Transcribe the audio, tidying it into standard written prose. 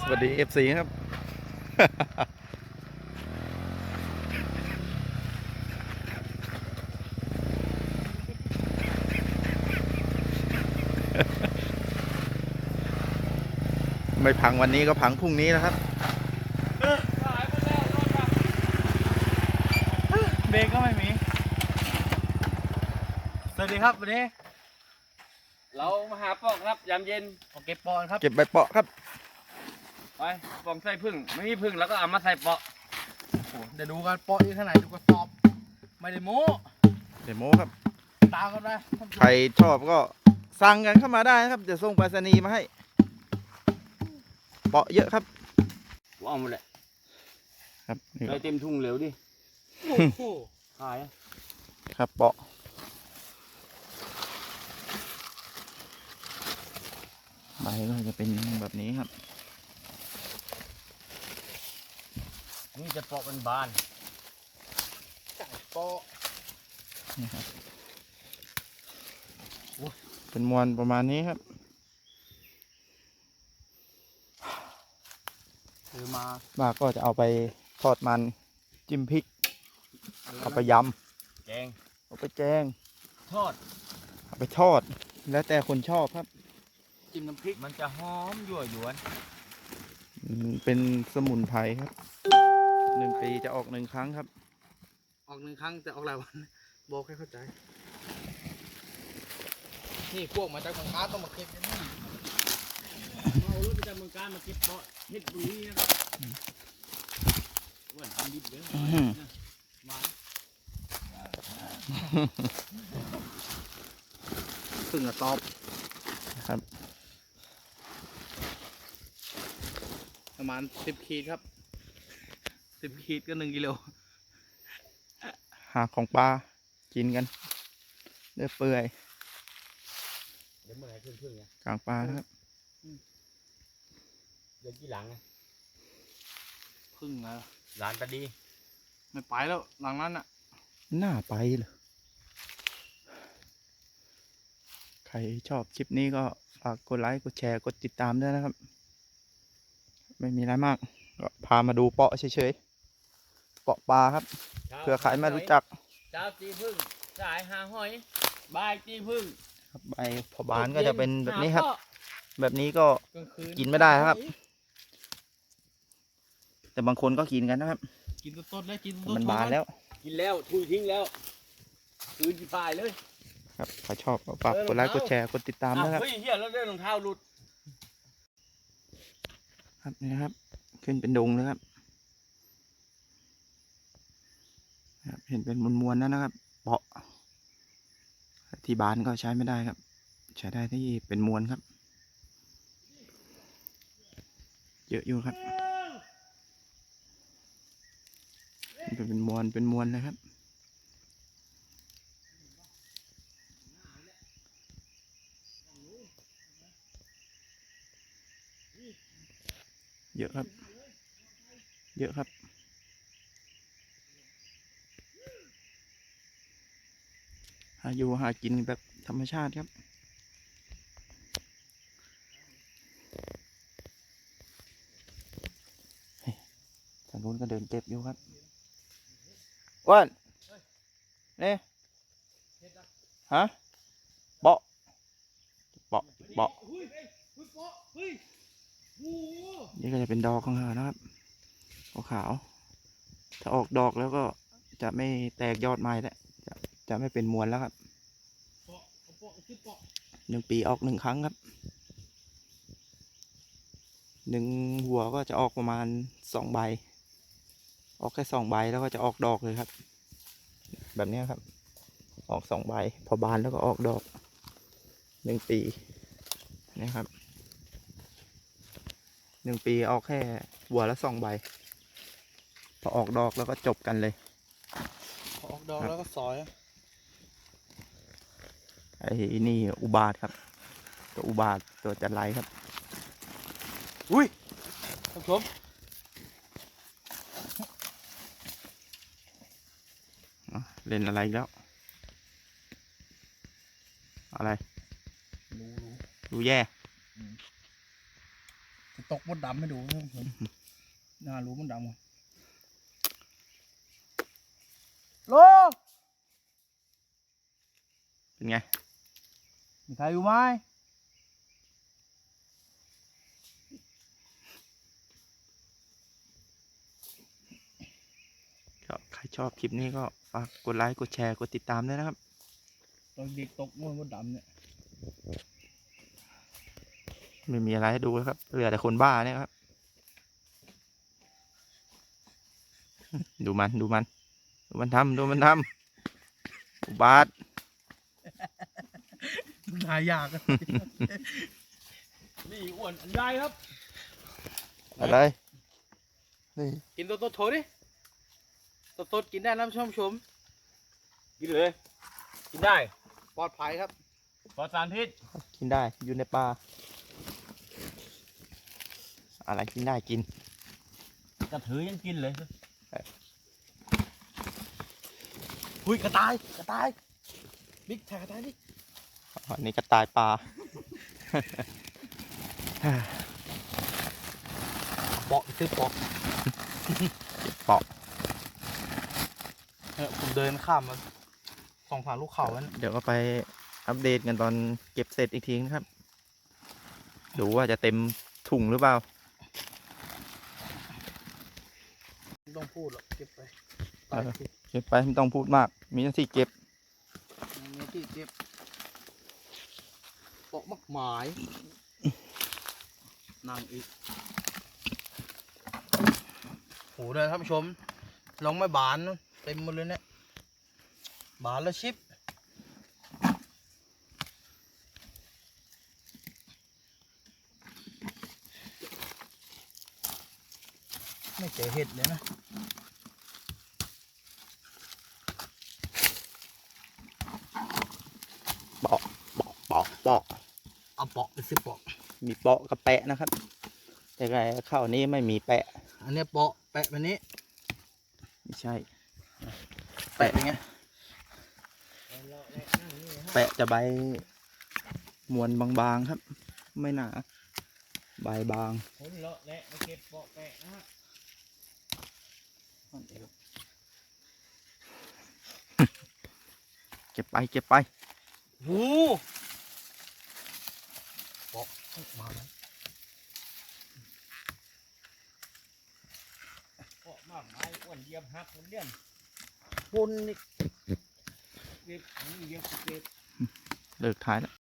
วัสดีFC ครับ ไม่พังวันนี้ก็พังพรุ่งนี้นะครับเบรกก็ไม่มีสวัสดีครับวันนี้เรามาหาปอกครับยามเย็นโอเคปอนครับเก็บใบเปาะครับไปปองใส่พึ่งไม่มีพึ่งแล้วก็เอามาใส่เปาะเดี๋ยวดูกันปอนอยู่ที่ไหนดูกระสอบไม่ได้โม้เดโมครับตามกันได้ใครชอบก็สั่งกันเข้ามาได้นะครับจะส่งไปรษณีย์มาให้เปาะเยอะครับว่าเอาหมดแหละครับนี่เลยเต็มทุ่งเหลวดิโอ้โหขายครับเปาะใบก็จะเป็นแบบนี้ครับนี่จะเปาะเป็นบานปอนี่ครับเป็นมวลประมาณนี้ครับซื้อมาบ้าก็จะเอาไปทอดมันจิ้มพริกเอาไปยแกงำเอาไปแกงทอดเอาไปทอด แล้วแต่คนชอบครับจิ้มน้ำพริกมันจะหอมยั่วยวนเป็นสมุนไพรครับ1 ปีจะออก1 ครั้งครับออก1 ครั้งแต่ออกหลายวันบอกให้เข้าใจนี่พวกมาจากเมืองกาญต้องมาเก็บกันนี่เอารถไปจากเมืองการมาเก็บเปาะเฮ็ดบุรีนะครับว่าทำดิบเลยอื้อหือมาพึ่งกระสอบครับประมาณ10 ขีดครับ10 ขีดก็1 กิโลหาของปลากินกันเลือดเปื่อยเดี๋ยวเมื่อไหร่พึ่งเนี่ยกลางปลานะครับเดี๋ยวกี่หลังนะพึ่งนะหลานตาดีไม่ไปแล้วหลังนั้นอ่ะน่าไปเลยใครชอบคลิปนี้ก็ฝากกดไลค์กดแชร์กดติดตามด้วยนะครับ ไม่มีอะไรมากก็พามาดูเปาะเฉยๆเปาะปลาครับเผื่อใครไม่รู้จักเช้าตีพึ่งสายหาหอยบ่ายตีพึ่งครับใบพอบานก็จะเป็นแบบนี้ครับหาเปาะแบบนี้ก็กลางคืนกินไม่ได้ครับ แต่บางคนก็กินกันนะครับกินต้นๆเลยกินแต่ต้นๆมันบานแล้วกินแล้วทุยทิ้งแล้วคืนที่ปลายเลยครับใครชอบก็ฝากกดไลค์กดแชร์กดติดตามนะครับเฮ้ยเฮียแล้วเรื่องรองเท้าหลุดครับนี่นะครับ ขึ้นเป็นดงเลยครับครับเห็นเป็นมวลๆแล้วนะครับเปาะที่บานก็ใช้ไม่ได้ครับ ใช้ได้ที่เป็นมวลครับ เยอะอยู่ครับเป็นมวลเลยครับเยอะครับเยอะครับหาอยู่หากินแบบธรรมชาติครับทางนู้นก็เดินเก็บอยู่ครับอ้วนนี่ฮะเปาะเปาะเปาะนี่ก็จะเป็นดอกของเขานะครับขาวๆถ้าออกดอกแล้วก็จะไม่แตกยอดไม้แล้วจะไม่เป็นมวลแล้วครับ1 ปีออก1 ครั้งครับ1 หัวก็จะออกประมาณ2 ใบออกแค่2 ใบแล้วก็จะออกดอกเลยครับ แบบนี้ครับ ออก2 ใบพอบานแล้วก็ออกดอก1 ปีนี่ครับ1 ปีออกแค่หัวละ2 ใบพอออกดอกแล้วก็จบกันเลยออกดอกแล้วก็ซอยไอ้นี่อุบาทครับ ตัวอุบาทตัวจันไรครับอุ้ยท่านผู้ชมเล่นอะไรอีกแล้ว อะไรรู้ดูแย่ตกมดดำให้ดูนะผมน่ารู้มดดำโลเป็นไงมีใครอยู่ไหมก็ใครชอบคลิปนี้ก็ฝากกดไลค์กดแชร์กดติดตามด้วยนะครับตอนเด็กตกมดดำเนี่ยไม่มีอะไรให้ดูแล้วครับเหลือแต่คนบ้าเนี่ยครับ ดูมันดูมันดูมันทำดูมันทำอุบาทหายากอะนี่อ้วนอันใหญ่ครับอะไรนี่กินตัวโถดิตัวกินได้นะผู้ชมกินเลยกินได้ปลอดภัยครับปลอดสารพิษกินได้อยู่ในป่าอะไรกินได้กินกระถือยังกินเลยหุยกระต่ายบิ๊กแทกกระต่ายดิอันนี้กระต่ายป่าเปาะซื้อเปาะเปาะผมเดินข้ามมาสองฝั่งลูกเขาแล้วเดี๋ยวก็ไปอัปเดตกันตอนเก็บเสร็จอีกทีนะครับ ดูว่าจะเต็มถุงหรือเปล่าไม่ต้องพูดหรอกเก็บไปเออ เก็บไปไม่ต้องพูดมาก มีหน้าที่เก็บมีที่เก็บเปาะมักหมายนั่งอีกโหเลยท่านผู้ชมลองไม่บานนะเต็มหมดเลยเนี่ยบานแล้วชิปไม่เจอเห็ดเลยนะเปาะเปาะเปาะเปาะเอาเปาะไปซื้อเปาะมีเปาะกับแปะนะครับ แต่ไงข้าวนี้ไม่มีแปะอันนี้เปาะแปะแบบนี้ไม่ใช่แปะเป็นไงแปะจะใบมวลบางๆครับ ไม่หนาใบบางคนเลาะและมาเก็บเปาะแปะนะฮะเก็บไปเก็บไปโอ้เปาะมาแล้วเปาะมากมายอ้วนเหยียบหักคนเดียนบนนี่เก็บอันนี้เหยียบเก็บเลิกท้ายแล้ว